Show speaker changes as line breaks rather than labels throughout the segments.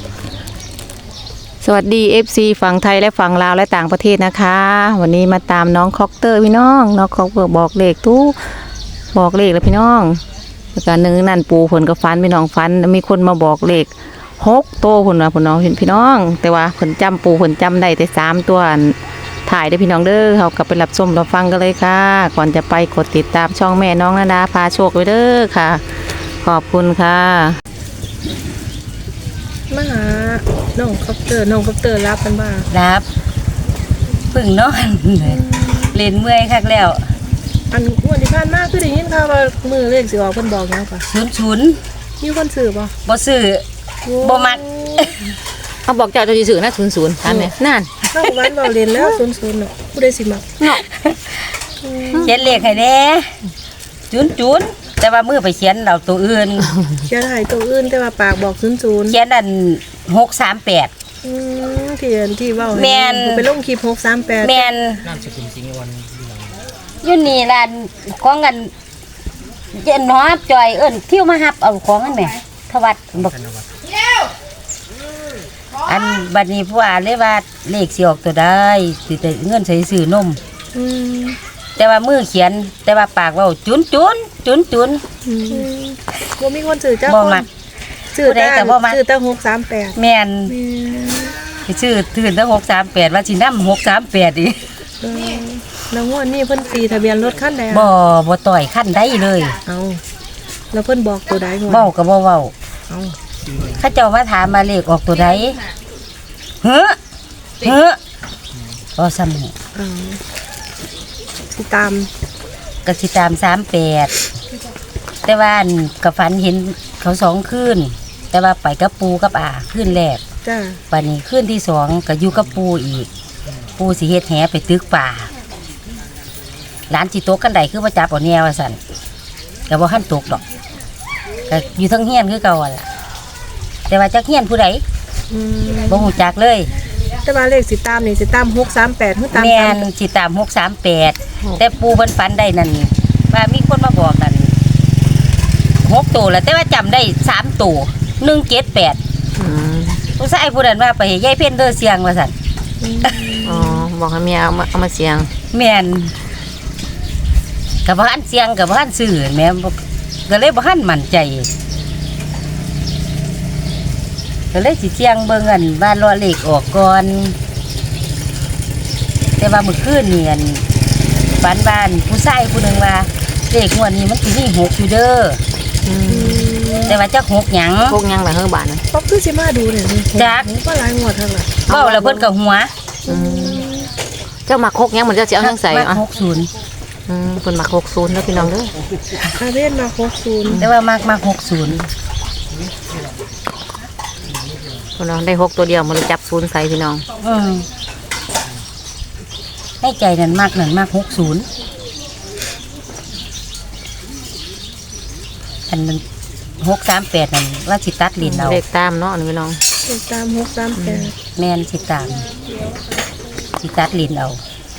สวัสดี FC ฝั่งไทยและฝั่งลาวและต่างประเทศนะคะวันนี้มาตามน้องคอกเตอร์พี่น้องน้องคอกเตอร์บอกเลขทุกบอกเลขแล้วพี่น้องการนึงนั่นปูผลกับฟันพี่น้องฟันมีคนมาบอกเลข6 ตัวผลนะผลน้องเห็นพี่น้องแต่ว่าผลจำปูผลจำได้แต่3 ตัวถ่ายได้พี่น้องเด้อเขากลับไปรับชมรับฟังกันเลยค่ะก่อนจะไปกดติดตามช่องแม่น้องนาดาพาโชคไว้เด้อค่ะขอบคุณค่ะ
มาหาน้องคอปเตอร์รับกันบ้าง
รับพึ่งนอนเล่นเมื่อยคักแล้ว
อันวันที่ผ่านมาคือได้ยินข่าวว่ามือเลขสิออกเพิ่นบอกแล้วป่ะ
00
มีคนซื้อป่ะ
บ่ซื้อบ่มัก
เขาบอกเจ้าจะซื้อนะ00ทันเนี่ยนั่น
เข้าบ้านบอกเรียนแล้ว00เนาะผู้ใดสิมัก
เนาะ
เขียนเลขให้แน่00แต่ว่ามือไปเขียนเอาตัวอื่น
เขียนให้ตัวอื่นแต่ว่าปากบอก00
เขียนอัน638
ที่เว้า
แม่น
ไปลงคลิป638
แม่นนามสกุลจริงวันอยู่นี่ร้านของกันเจนฮอบจอยเอิ้นเที่ยวมารับเอาของกันแหมทวัดบอกอันบัดนี้ผู้อ่านเลยว่าเลขสิออกตัวได้สิแต่เงินใส่ซื้อนมแต่ว่ามือเขียนแต่ว่าปากเว้าจุน
บ่มีคนซื้อเจ้า
บ่มัก
ซื้อได้แต่บ่มักซื้อแต่638
แม่นซื้อถือแต่638ว่าสินำ638อีก
แล้วงวดนี้เพิ่นตีทะเบียนรถคันใด
บ่ต่อยคันใดเลย
เอาแล้วเพิ่นบอกตัวใด
เว้าก็บ่เว้า
เอา
เขาเจ้ามาถามมาเลขออกตัวใดเฮ้อบ่ซ้ำนี่
สิตาม
ก็สิตาม38แต่ว่าก็ฝันเห็นเขา2คืนแต่ว่าไปกับปูกับอาคืนแรก
จ้ะ
บัดนี้คืนที่2ก็อยู่กับปูอีกปูสิเฮ็ดแหไปตึกป่าหลานสิตกกันใดคือว่าจับเอาแนวว่าซั่นก็บ่ทันตกดอกก็อยู่ทั้งเฮียนคือเก่าล่ะแต่ว่าจักเฮียนผู้ใดบ่ฮู้จักเลย
แต่ว่าเลขสิตามนี่สิตาม638คือตาม
แม่นสิตาม638แต่ปูเพิ่นฝันได้นั่นว่ามีคนมาบอกนั่น6ตัวแล้วแต่ว่าจำได้3ตัว178ผู้ชายผู้นั้นว่าไปให้ยายเพ็ญเด้อเสียงว่าซั่น
อ๋อบอกให้เมียเอามาเสียง
แม่นก็บ่ทันเสียงก็บ่ทันซื้อแม่ก็เลยบ่ทันมั่นใจก็เลยสิเสียงเบิ่งอันว่ารอเลขออกก่อนแต่ว่าเมื่อคืนนี่อันฝันบ้านผู้ชายผู้นึงว่าเลขงวดนี้มันสิมี6อยู่เด้อแต่ว่าจัก6หยัง
ล่ะเฮ้อบาดนะ
ป๊อกคือสิมาดูนี่
จัก
ก็หลายงวดเท่าล่ะ
เว้าแล้วเพิ่นก็หัว
เจ้ามัก6หยังมันจะสิเอาจังใส่
อ่ะ60
เพิ่นมัก60แล้วพี่น้องเด้อ
อาเวนมา60
แต่ว่ามัก60
พี่น้องได้6ตัวเดียวมันจับ0ใส่พี่น้อง
ให้ใจนั่นมาก60อันมัน638นั่นว่าสิตัดลิ้นเอา
เลขตามเนาะพี่น้อง
เลขตาม638
แม่นสิตามสิตัดลิ้นเอา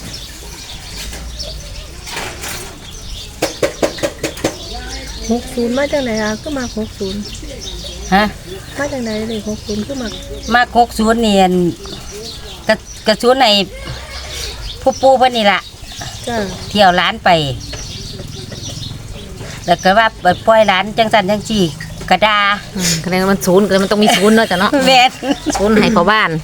60มาจากไหนอ่ะก็มา60
ฮะ
มาจากไหนเลย60คือ
มา60นี่กระสุนในผู้ปูเพิ่นนี่ล่ะ
จ้ะ
เที่ยวร้านไปแล้วก็ว่าปล่อยร้านจังซั่นจังซี่กระดา
คะแนนมัน0ก็มันต้องมี0เนาะจ้ะเนาะ
แม่น
0ให้พ่อบ้าน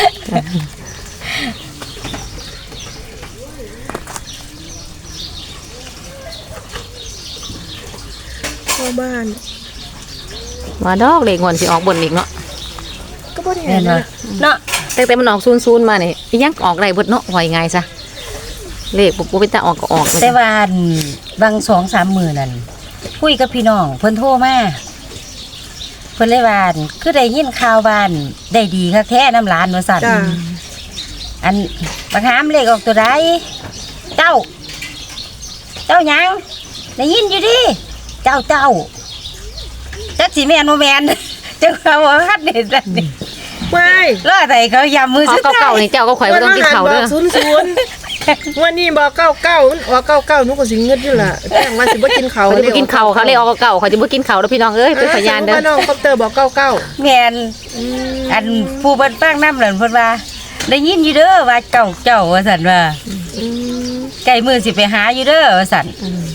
มาดอกเลขงวดสิออกบนอีกเนาะ
ก็บ่ได้เห็นเ
นาะ
แต่มันออก00มานี่ยังออกได้เบิดเนาะว่าง่ายซะเลขบ่เป็นตาออกก็ออก
แต่ว่าบาง 2-3 มื้อนั่นคุยกับพี่น้องเพิ่นโทรมาเพิ่นเลยว่าคือได้ยินข่าวบ้านได้ดีคักแท้น้ำหลานว่าซั่นอันบักหามเลขออกตัวใดเจ้าหยังได้ยินอยู่ดิเจ้าจักสิแม่นบ่แม่นจังว่าฮัดเด็ดนี่
ไม่
รอไดเขายำมือ
สุดท้ายเก่านี่เจ้าก็ข่อยบ่ต้องกินข้าวเด้อ
วันนี้บอก99มันออก99หนูก็สิเงิดอยู่ล่ะแต่ว่าสิบ่กินข้าว
เขาจะบ่กินข้าวเขาเลยออกเก่าเขาจะบ่กินข้าวแล้วพี่น้องเอ้ยเป็นพยานเด้อ
น้องคอปเตอร์บอก99
แม่นอันผู้เพิ่นฟังนำนั่นเพิ่นว่าได้ยินอยู่เด้อว่าเจ้าว่าซั่นว่าใกล้มื้อสิไปหาอยู่เด้อว่าซั่น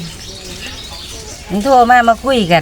มันโทรมาคุยกัน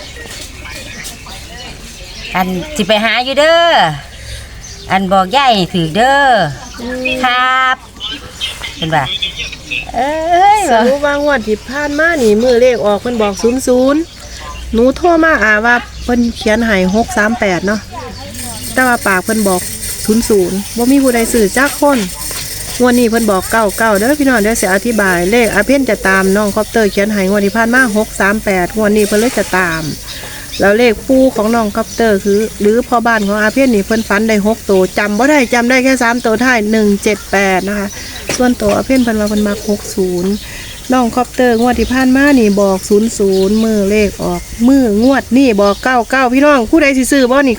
อันสิไปหาอยู่เด้ออันบอกยายให้ถือเด้อครับเป็นว่าเอ้ย
สรุปว่างวดที่ผ่านมานี่มือเลขออกเพิ่นบอก00หนูโทรมาว่าเพิ่นเขียนให้638เนาะแต่ว่าปากเพิ่นบอก00บ่มีผู้ใดซื้อจักคนงวดนี้เพิ่นบอก99เด้อพี่น้องเดี๋ยวสิอธิบายเลขอาเพ่นจะตามน้องคอปเตอร์เขียนให้งวดที่ผ่านมา638งวดนี้เพิ่นเลยจะตามแล้วเลขปูของน้องคอปเตอร์คือหรือพ่อบ้านของอาเพ่นนี่เพิ่นฝันได้6ตัวจำบ่ได้จำได้แค่3ตัวท้าย178นะคะส่วนตัวอาเพ่นเพิ่นว่าเพิ่นมัก60น้องคอปเตอร์งวดที่ผ่านมานี่บอก00มือเลขออกมืองวดนี่บอก99พี่น้องผู้ใดสิซื้อบ่นี่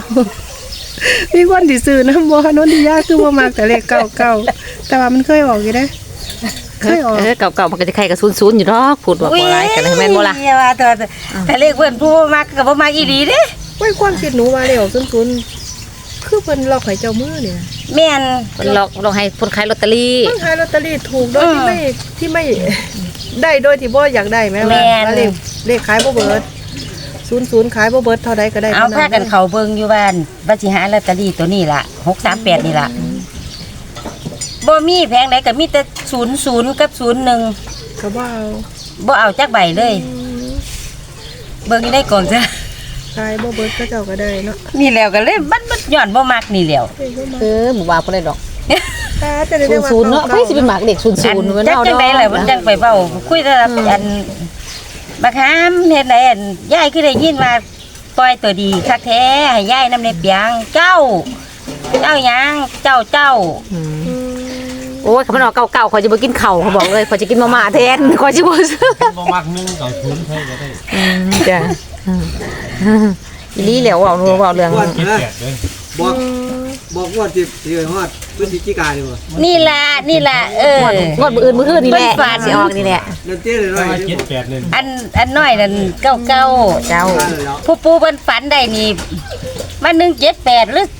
99มีคนที่ซื้อนำบ่นนทิยาคือบ่มักแต่เลข99แต่ว่ามันเคยออกอยู่เด้เคยออก
เก่าๆมันก็จะใครกับ00อยู่ดอกพูดว่าบ่หลายกันแม่นบ่ล่ะ
อย่าว่าแต่เลขเพิ่นผู้มักก็บ่มักอีหลีเด้
ไว้ความคิดหนูว่าเลขออก00คือเพิ่นล็อกให้เจ้ามือเนี่ย
แม่น
เพิ่นลองให้คนขายลอตเตอรี่
เพิ่นขายลอตเตอรี่ถูกโดยที่ไม่ได้โดยที่บ่อยากได้แม่ว่าเลขขายบ่เบิด00ขายบ่เบิดเท่าใดก็ได้
เอาพากันเข้าเบิ่งอยู่บ้านว่าสิหาลอตเตอรี่ตัวนี้ล่ะ638นี่ล่ะบ่มีแผงใดก็มีแต่00กับ01
ก็บ่เอา
บ่เอาจักใบเลยเบิ่งอยู่ในกล่องจ้ะ
ขายบ่เบิดก็เจ้าก็ได้เนาะ
นี่แล้วก็เลยมันย้อนบ่มักนี่แล้ว
บ่ว่าบ่ได้ดอก
แต่จะได้ว่า
00เนาะไผสิเป็นหมากเด็ก00มัน
จัก
เอา
จั
ด
ง
อก
ได๋ล่ะมันจังไปเว้าคุยแต่อันบักหามเฮ็ดไหนอันยายคือได้ยินว่าปล่อยตัวดีคักแท้ให้ยายนำในเปียงเจ้าหยังเจ้า
โอ้ยเขามันออกเก่าๆเขาจะบ่กินข้าวเขาบอกเลยเขาจะกินมาม่าแทนเขาสิบ่ซื้อ
บ่มัก1กับ0ใช่ก็ได้
จ้ะอีหลีแล้วเว้าเรื่อง
เจ็ดแปดเลย
บอกว่าที่ฮอดพฤศจิกายนบ่
นี่ล่ะ
งวดมื้ออื่นมื้อคืนนี่แหละ
เพิ่นฝัน
สิออกนี่แหละ
เดินเต้นเลยหน่
ถ้า
อย
ว่า
ที่
เจ็ดแปดเลย
อันน้อยนั่นเก้า
เจ้า
ผู้ปูเพิ่นฝันได้นี่มัน178หรือ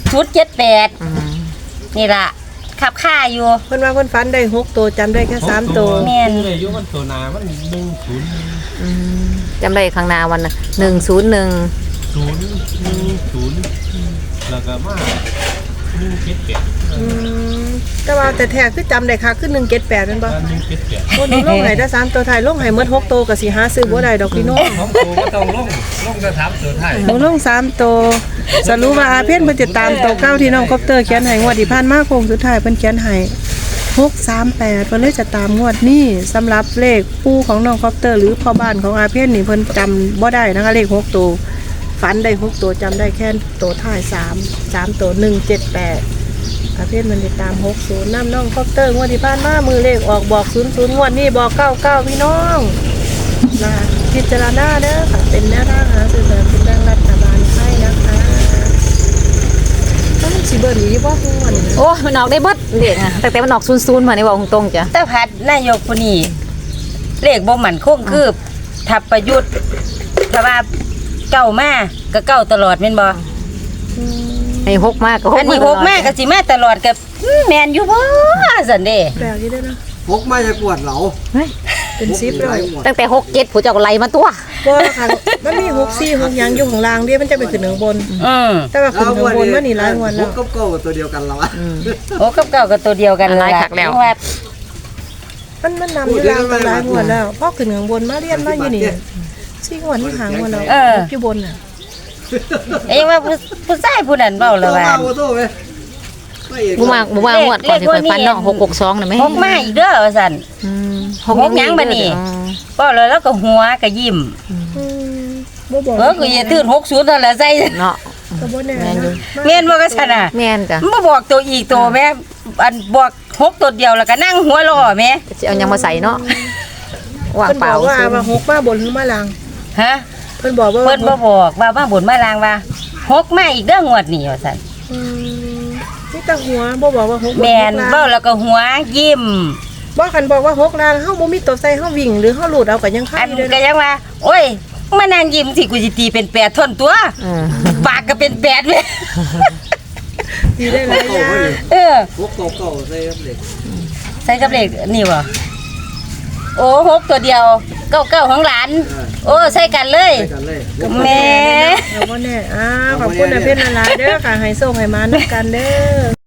078นี่ล่ะขับค่าอยู่
เพิ่นว่าเพิ่นฝันได้6ตัวจำได้แค่3ตัว
แม่น
เลยอยู่มันตัวหนามัน1
จำได้ข้างหน้าวันน่ะ101
0 แล้วก็มา178
แต่ว่าแต่แท้คือจำได้ค่ะคือ178แม่นบ่
178
คนลงให้ได้3ตัวท้ายลงให้หมด6ตัวก็สิหาซื้อบ่ได้ดอกพี่น้อง
ของกูก็ต้องลงจะถามตัวไทย
หนูลง3ตัวสรุปว่าอาเพ่นเพิ่นจะตามตัวเก้าที่น้องคอปเตอร์เขียนให้งวดที่ผ่านมาโค้งสุดท้ายเพิ่นเขียนให้638เพิ่นเลยจะตามงวดนี้สำหรับเลขปู่ของน้องคอปเตอร์หรือพ่อบ้านของอาเพ่นนี่เพิ่นจำบ่ได้นะคะเลข6ตัวฝันได้6ตัวจำได้แค่ตัวท้าย3ตัว178อาเพ่นมันจะตาม60น้ำน้องคอปเตอร์งวดที่ผ่านมามือเลขออกบอก00งวดนี้บอก99พี่น้องนะคะพิจารณาเด้อค่ะเป็นแนวทางหาซื้อสลากกินแบ่งรัฐบาลไทยนะคะต้องสิเบิ่นอีบ่ฮู้ว่านี่
โอ้มันออกได้เบิดเลขอ่ะแต่มันออก00มานี่ว่าตรงๆจ้ะ
แต่พัดนายกผู้นี้เลขบ่มั่นคงคือทับประยุทธ์ถ้าว่าเก้ามาก็เก้าตลอดแม่นบ่
ให้6มากก็6
อันนี้6มาก็สิมาตลอดก็แม่นอยู่บ่ซั่นเด้
แปลกอยู่เด้อนะ
พกมาจะกวดเหลา
เป็น10เลย
ตั้งแต่6 7ผู้เจ้าก็ไล่มาตัว
บ่ค่ะมันมี6 4 6หยังอยู่ข้างล่างเด้มันจะไปขึ้นข้างบน แต่ว่าขึ้นข้างบนมันนี่หลายงวดแล้ว
ก็ตัวเดียวกันแล้วอะ
โอ้กับเก้าก็ตัวเดียวกัน
หลายคักแล้ว
ว่า
มันนำอยู่ล่างกันหลายงวดแล้วพอขึ้นข้างบนมาเรียนมาอยู่นี่4งวดมันหางวดแล้วอยู่บนน่ะ
เอ้ยว่าผู้ชายผู้นั้นเว้าแล้วว่า
โอ้โหเว้ย
บ่มางวดก่อนสิค่อยฟันเนาะ662น่ะแม่
6มาอีกเด้อว่าซั่น หกหยังบัดนี้ เว้าแล้วก็หัวก็ยิ้ม
บ่บอก
ก็อย่าตื่น60เท่านั้นใส่
เนาะ
ก็บ่แน่
แม่นอยู่
แม่นบ่ก็ซั่นน่ะ
แม่นจ้ะ
มันบ่บอกตัวอีกตัวแม่อันบอก6ตัวเดียวแล้วก็นั่งหัวล้อแม่
สิเอาหยังมาใส่เนาะว่าง
เพิ่น
เป
บ
ล่า
อกว่า6มาบนหรือมาล่าง
ฮะ
เพิ่นบอกว่า
เพิ่นบ่บอกว่ามาบุญมาลางว่า6มาอีกเด้องวดนี้ว่าซั่น
นี่ตาหัวบ่บอกว่า6
แม่นเว้าแล้วก็หัวยิ้ม
บ่คันบอกว่า6ล้านเฮาบ่มีตัวใส่เฮาวิ่งหรือเฮาหลุดเอาก็ยังคา
อั
ย
น
อยู่เด้
ก็
อ
ยังว่า โอ้ยมานั่งยิ้มสิกูสิตีเป็น8ท่อนตัว ปากก็เป็น8เว้ย
ดีได้หลายอย่าง
เออ
พวกเก่าๆใส่ครับเด็ก
ใส่กับเลขนี่บ่โอ้6ตัวเดียวเก้าของหลาน โอ้ใส่กันเลย
ใส่กันเลย
แม่
เอาบ่แน่ขอบคุณนะเพิ่นหลายๆเด้อค่ะให้โชคให้มานํกันเด้อ